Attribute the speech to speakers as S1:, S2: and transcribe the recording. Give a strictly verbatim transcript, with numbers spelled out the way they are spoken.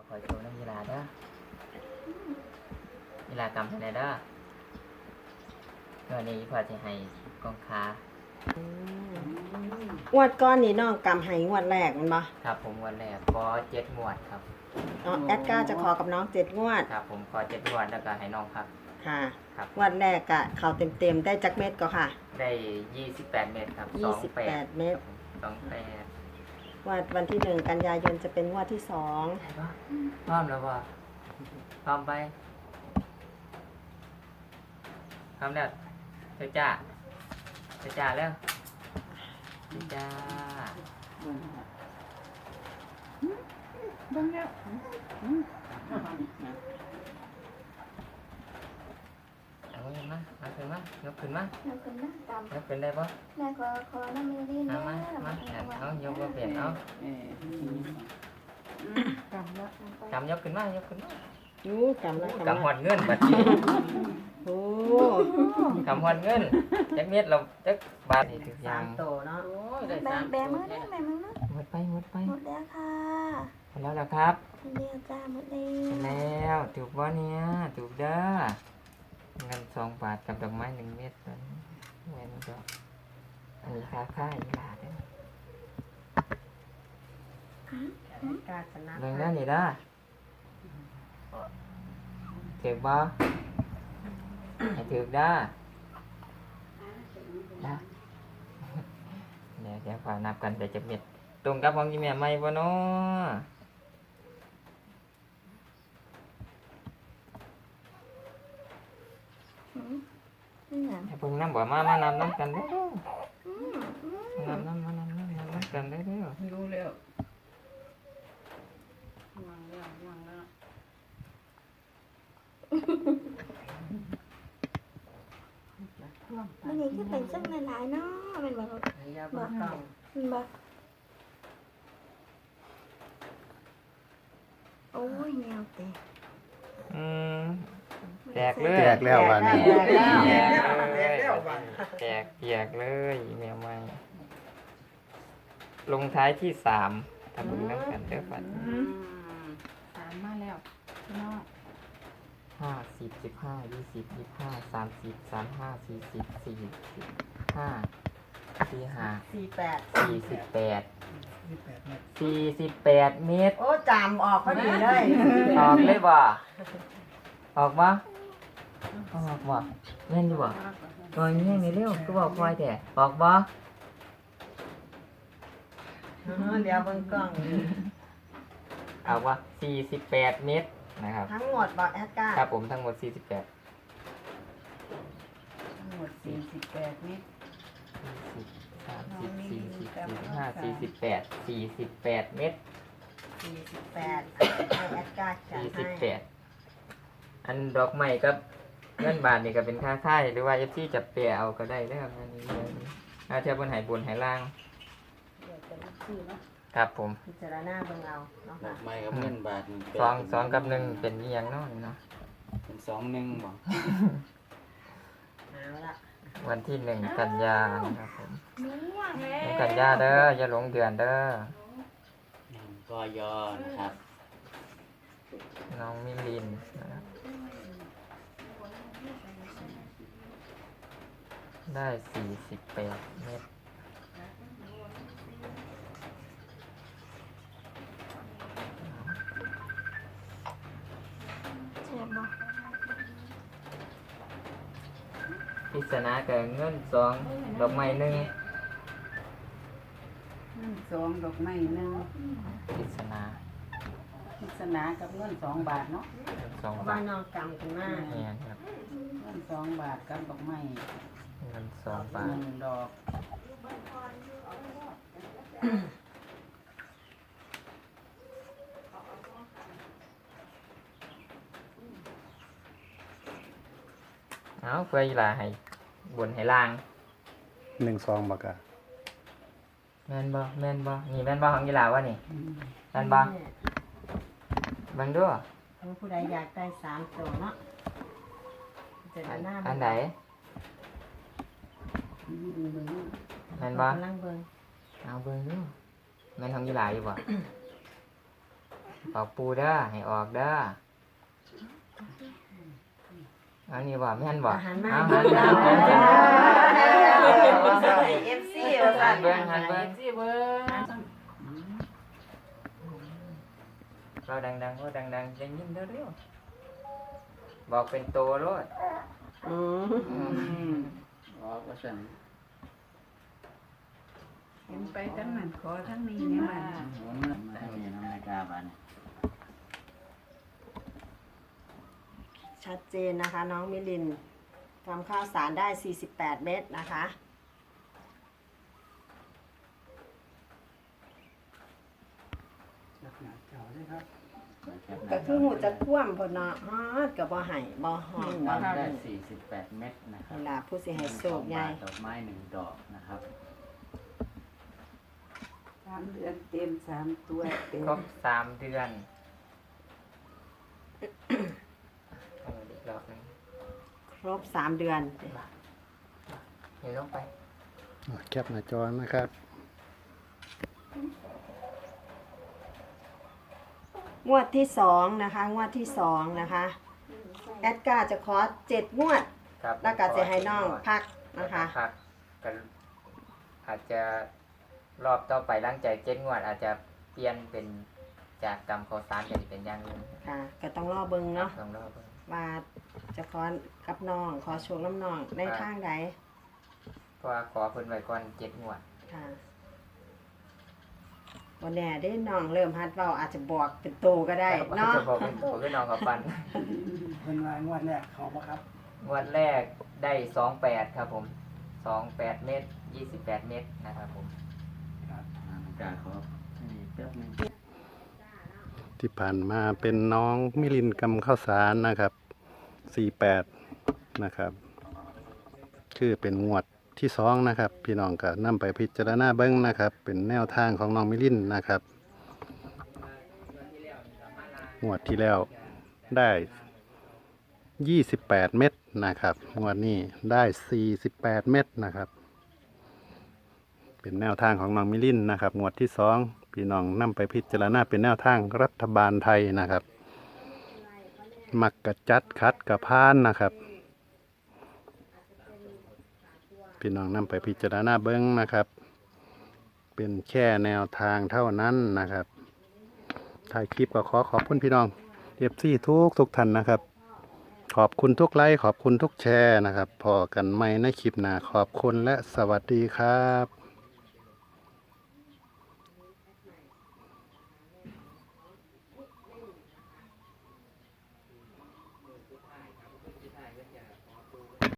S1: ขอโชว์น้ำยีราเด้อยีรากำให้ได้เด้อวันนี้พอจะให้กองค้าง
S2: วดก้อนนี่น้องกำให้งวดแรกมันบ่
S1: ครับผมวันแรกขอเจ็ดงวดครับ
S2: อ๋อแอดก้าจะขอกับน้องเจ็ดงวด
S1: ครับผมขอเจ็ดงวดแล้วก็ให้น้องพัก
S2: ค่ะ
S1: ครับ
S2: งวดแรกก็เข้าเต็มๆได้จักเม็ดก็ค่ะ
S1: ได้ยี่สิบแปดเมตรครับ
S2: ยี่สิบแปดเม็ด
S1: สองแปด
S2: งวดวันที่หนึ่งกันยายนจะเป็นงวดที่สอง
S1: พร้อมแล้วว่าพร้อมไปพร้อมแล้วเจ้าจ้าเจ้าจ้าแล้วเจ้าจ้า
S3: บ้างแล้ว
S1: เอาขึ้นมาเอาขึ้นมายกขึ้นมาย
S4: กขึ้นนะตาม
S1: ยกขึ้นได้ปะ
S4: แม่ขอขอน้ำมือดีนะ
S1: เอามามาเอายกมาเปลี่ยนเอา
S3: เออกำแล้ว
S1: กำยกขึ้นมายกขึ้นมา
S2: ยูกำละกำ
S1: กำหอ
S2: ละ
S1: ดเงินบัดนี้
S2: โอ้
S1: กำหอดเงินจักเม็ดเราจักบาทนี่ถือ
S2: สา
S1: ยัง
S2: มโตเนาะ
S1: โอ้ยได้
S4: แบ
S1: สาม
S4: แบมือนะแบมือนะ
S1: หมดไปหมดไป
S4: หมดแล้วค่ะ
S1: หมดแล้วล่ะครับ
S4: เดียวจ้าหมดแล้
S1: หมด
S4: ว
S1: แล้วถูกบ่เนี่ยถูกเด้อเงินสองบาทกับดอกไม้หนึ่งเม็ดนั้นเว้นดอกอันนี้ค่าค่าอีหลาเด้อ
S2: แอดก้าชนะ
S1: เรื่องนั้นนี่เด้อถูกบ่ให้ถูกเด้อนะเดี๋ยวเดี๋ยวขอนับกันแต่จะเม็ดตรงกับของยี่แม่ไหมบ่เนาะ
S4: นี่ไง
S1: ให้เพิ่งน้ำบ่มา มานำน้ำกันเด้อ นำน้ำมานำน้ำนำน้ำกันได้เด้อ
S3: รู้แล้ววางแล้ววางแล้ว
S4: มันยังคือเป็นซึ่งหลายๆเนาะเป็นแบบ
S2: อย่าเบิ่งกล้อง
S4: มันแบบโอ้ยแนวแตก
S1: อืมแตกเลย
S5: แตกแล้ววันนี้
S2: แตกแล้ว
S1: แตกเลยแตกเปียกเลยแมวไม่ลงท้ายที่สามทำบุญน้ำกันเด้อปัด
S3: อืมสามมาแล้วพี่น้อง
S1: ห้าสิบสิบห้ายี่สิบยี่สิบห้าสามสิบสามห้าสี่สิบสี่สิบห้าสี่ห้า
S2: สี่แปด
S1: สี่สิบแปดสี่สิบแปดเมตร
S2: โอ้จำออกพอดีเลย
S1: ออกเลยบ่ออกบ่ออกบ่แม่นอยู่บ่ตัวนี้ยังนี่เร็วก็บอกคอยแต่ออกบ่
S2: เออเดี๋ยวเบิ่งกล้อง
S1: เอาว่าสี่สิบแปดเมตรนะครับ
S2: ทั้งหมดบอกแอดก้า
S1: ครับผมทั้งหมดสี่สิบแปด
S3: ทั้งหมดสี่สิบแปดเมตร
S1: สี่สิบสามสิบสี่สิบสี่สิบห้าสี่สิบแปดสี่สิบแปดเมตร
S2: สี่สิบแปดให้แอดก้าจัด
S1: สี่สิบ
S2: ให้
S1: แปดอันดอกไม้กับเงินบาทนี่ก็เป็นค่าค่ายหรือว่าเอฟซีจะเปลี่ยเอาก็ได้นะครับอันนี้เลยอาเทียบบนหายบนหายล่าง
S2: เดี๋ยวจะมีชื่อเนาะ
S1: ครับผม
S2: พิจารณาเบิ่งเอาเนาะ
S5: ดอ
S2: ค่ะ
S5: กไม้กับเงินบาทนี่
S1: สองสองกับหนึ่งเป็นอีหยังเนาะนี่เนาะ
S5: เป็นสองหนึ่งบ่
S2: เอาละ
S1: วันที่หนึ่งกันยานะครับผม
S4: ม่วงแล้
S1: หนึ่ง
S4: ว
S1: กันยาเด้ออย่าหลงเดือนเด้อ
S5: หนึ่งกยอนะครับ
S1: น้องมิลินนะครับได้สี่สิบแปดเมตร
S4: เจ็บบ่
S1: พิศนาเกิดเงินสองดอกไม้หนึ่ง
S3: เงินสองดอกไม้หนึ่ง
S1: พิศนา
S3: พิศนากับเงินสองบาทเนาะ
S1: สอง
S2: เพราะ
S1: บา
S2: ว่า
S1: ท
S2: น้องกำกันมาก
S1: เนี่ยครับ
S3: เงินสองบาทกับดอกไม้
S1: เงินสองบา
S3: ห
S1: ท
S3: นึ่งดอก
S1: เอาเพื่ออีหลาให้บนให้ล่าง
S5: หนึ่งสองบักอะ
S1: แม่นบ่แม่นบ่นี่แม่นบ่ของอีหลาวะนี่แม่นบ่เบิ่งดู
S2: ถ้าผู้ใดอยากได้สามตัวเนาะพิจารณา
S1: อันไหนแม่นบ่
S2: กำลังเบิ่ง
S1: เอาเบิ่งดูแม่นของอีหลาอยู่บ่ออกปูเด้อให้ออกเด้ออันนี้ว่าแม่นบ่
S2: อาหารมา
S1: เอา
S2: ดี
S1: หัน
S2: แล้
S1: เบิ่
S2: ว
S1: งหันเบิ่ง
S2: เอฟซี
S1: หันเบิ่งหันเบิ่งเราดังๆว่าดังๆจะยินเร็วๆบอกเป็นโตโลด
S2: อืม
S5: อืมออกว่าสั่น
S3: เห็นไปทั้งนั้นขอทั้งนี้เนี่ยมัน
S5: หมุนมาทางนี้น้ำนาฬิกาบัดน
S2: ชัดเจนนะคะ น้องมิลินทำข้าวสารได้สี่สิบแปดเม็ดนะคะ ก็คือหูจะคว่ำพอเนาะฮอดกับบ่ไห้บ่หอม
S5: ทำได้สี่สิบแปดเม็ดนะครับ
S2: เวลาผู้สิให้โศกใหญ่
S5: ดอกไม้หนึ่งดอกนะครับ
S3: สามเดือนเต็มสามตัวเต็ม
S1: ครบสามเดือนเอาอีกรอบหนึง
S2: ครบสามเดือน
S1: เดี๋ยวลงไป
S5: แคปหน้าจอนะครับ
S2: งวดที่สองนะคะ งวดที่สองนะคะแอดการ์จะขอเจ็ดงวด
S1: ครับ
S2: แล้วก็จะให้น้องพักนะคะ
S1: พักกันอาจจะรอบต่อไปหลังจากเจ็ดงวด อาจจะเปลี่ยนเป็นจากกรรมข้าวสารเป็นเป็นอย่างอื่น
S2: ค่ะก็ต้องรอเบิ่งเนาะ
S1: ต้องรอเบิ่ง
S2: ว่าจะขอกับน้องขอโชว์น้ำน้องในทางใด
S1: เพราะว่าขอเพิ่นไว้ก่อนเจ็ดงวด
S2: ค่ะวันแน่ได้น้องเริ่มฮัดเว้าอาจจะบอกเป็นโตก็ได้เนาะ
S1: จะบอกเป็นตัวก็น้องกับปัน
S6: เพิ่นว่างวดแรกเขาบ่ครับ
S1: งวดแรกได้สองแปดครับผมสองแปดเมตรยี่สิบแปดเมตรนะครับผม
S5: นาฬิกาขอนี่แป๊บหนึง
S7: ที่ผ่านมาเป็นน้องมิลินกำข้าวสารนะครับสี่แปดนะครับ คือเป็นงวดที่สองนะครับ พี่น้องก็นำไปพิจารณาเบิ้งนะครับ เป็นแนวทางของน้องมิลินนะครับ งวดที่แล้วได้ยี่สิบแปดเม็ดนะครับ งวดนี้ได้สี่สิบแปดเม็ดนะครับ เป็นแนวทางของน้องมิลินนะครับ งวดที่สองพี่น้องนำไปพิจารณาเป็นแนวทางรัฐบาลไทยนะครับ มักกะจัดคัดกะพานนะครับ พี่น้องนำไปพิจารณาเบิ้งนะครับ เป็นแค่แนวทางเท่านั้นนะครับถ่ายคลิปก็ขอขอบคุณพี่น้องเอฟซีทุกทุกท่านนะครับ ขอบคุณทุกไลค์ขอบคุณทุกแชร์นะครับพอกันใหม่ในคลิปหน้าขอบคุณและสวัสดีครับ